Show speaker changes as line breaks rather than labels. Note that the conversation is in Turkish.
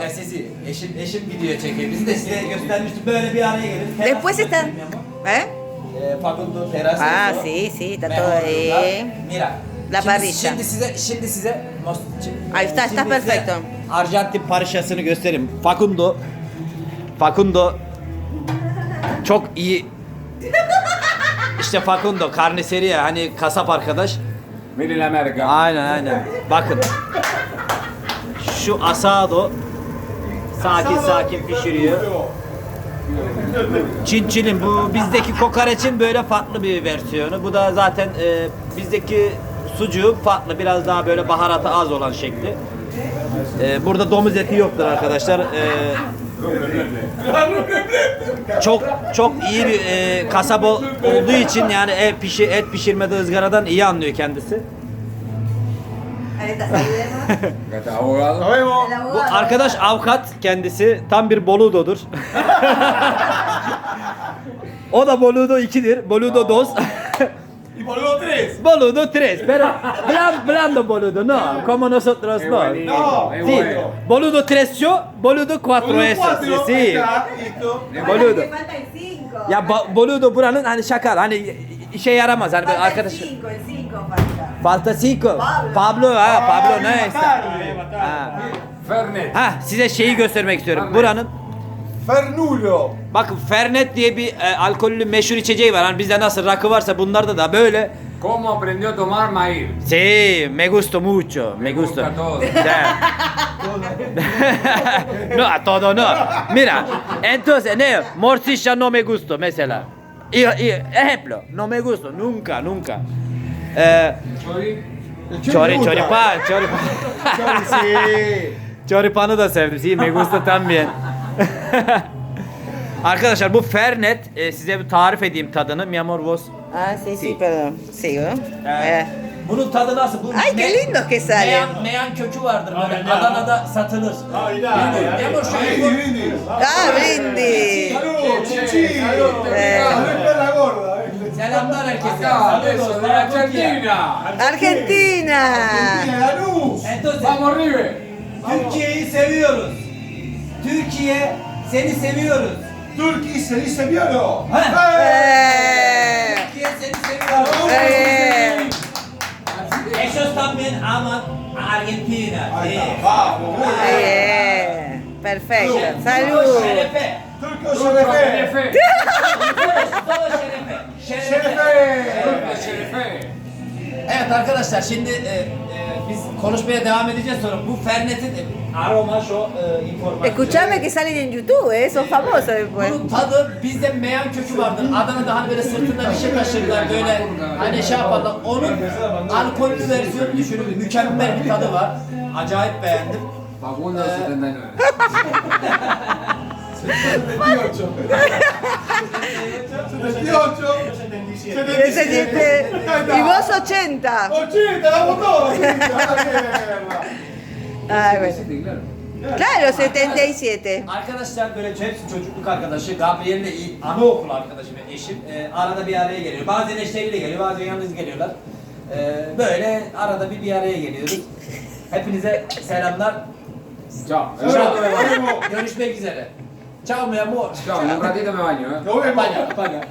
Ya sizi eşim video çekiyor. Bizi de size göstermiştim. Böyle bir araya gelin.
Después está. ¿Eh?
Facundo Terraza.
Ah, sí, sí, está todo ahí.
Mira.
La parrilla.
Şimdi size
Ahí está, está
şimdi size
perfecto.
Arjantin parişasını göstereyim. Facundo çok iyi. İşte Facundo carniceria hani kasap arkadaş.
Miren la merca.
Aynen. Bakın. Şu asado sakin pişiriyor. Çinçilin bu bizdeki kokoreçin böyle farklı bir versiyonu. Bu da zaten bizdeki sucuğu farklı biraz daha böyle baharatı az olan şekli. Burada domuz eti yoktur arkadaşlar. Çok iyi bir kasap olduğu için yani et pişirmede ızgaradan iyi anlıyor kendisi.
Ahí está.
Acá está, abogado.
Nos vemos.
Bu arkadaş avukat kendisi tam bir boludodur. O da boludo 2'dir. Boludo 2.
Y boludo 3.
Boludo 3. Pero blando boludo no. Como nosotros
Es
no.
buenito,
No.
es
Sí.
bueno.
Boludo 3 yo, boludo 4
Boludo
eso.
4.
Sí.
Está, listo.
Boludo.
Me falta el 5.
Ya boludo buranın hani şaka hani işe yaramaz hani böyle arkadaş.
El 5 falta.
Falta 5. Pablo no está. Ha.
Fernet.
Ha size şeyi göstermek istiyorum. Buranın
Fernulo.
bakın Fernet diye bir alkollü meşhur içeceği var. Hani bizde nasıl rakı varsa bunlarda da böyle.
¿Cómo aprendió a tomar maíz?
Sí, me gusta mucho, me gusta.
gusta todo.
Sí. No, a todo no. Mira, entonces, ne, morcilla no me gusta, mesela. Ejemplo, no me gusta, nunca.
Chori.
Choripan.
Sí.
Choripan'ı da sevdim. Sí, me gusta también. Arkadaşlar bu Fernet, size bir tarif edeyim tadını. Mi amor vos.
Ah, sí, sí, perdón. Sigo.
Bunun tadı nasıl? Bu
Ay, qué lindo que sale.
Meyan kökü vardır böyle. Adana'da satılır. Mi amor şöyle koy.
Brindis.
Ah, brindis.
Salud, chichi.
Salud.
Salud para la gorda.
Selamlar herkese.
Acá, eso,
Saludos.
de Argentina.
Argentina.
Argentina, Lanús.
Entonces,
Vamos, River.
Türkiye'yi seviyoruz. Türkiye seni seviyoruz.
Turquía se dice violo.
Türkiye seni seviyoruz. Ellos también aman a Argentina.
Ahí
Sí.
está, vamos. muy bien.
Bien. Perfecto.
Todo
Salud.
şerefe.
Turco
Turco
Şerefe.
Şerefe.
Todo şerefe.
Şerefe.
Şerefe.
Evet arkadaşlar şimdi biz konuşmaya devam edeceğiz sonra bu Fernet'in aroma şu informasyon.
Escuchame que salen en YouTube, son famosos después.
Bunun tadı bizde meyan kökü vardır. Adana'da hani böyle sırtında bir şey taşırlar böyle hani şey yaparlar. Onun alkollü versiyonu düşünün. Mükemmel bir tadı var. Acayip beğendim.
Facundo 79.
78. 78.
77. Y vos 80.
80, vamos todos.
Ay, bueno.
Claro.
Claro, 77.
Arkadaşlar böyle hepsi çocukluk arkadaşı. Gabriel'le iyi anaokul arkadaşı ve eşim. Arada bir araya geliyor. Bazen eşleriyle geliyor, bazen yalnız geliyorlar. Böyle arada bir araya geliyoruz. Hepinize selamlar.
Chao.
Ciao. Görüşmek üzere. Ciao mi amor.
Chao, en un ratito me baño, ¿eh?
Nos vemos.
Paga.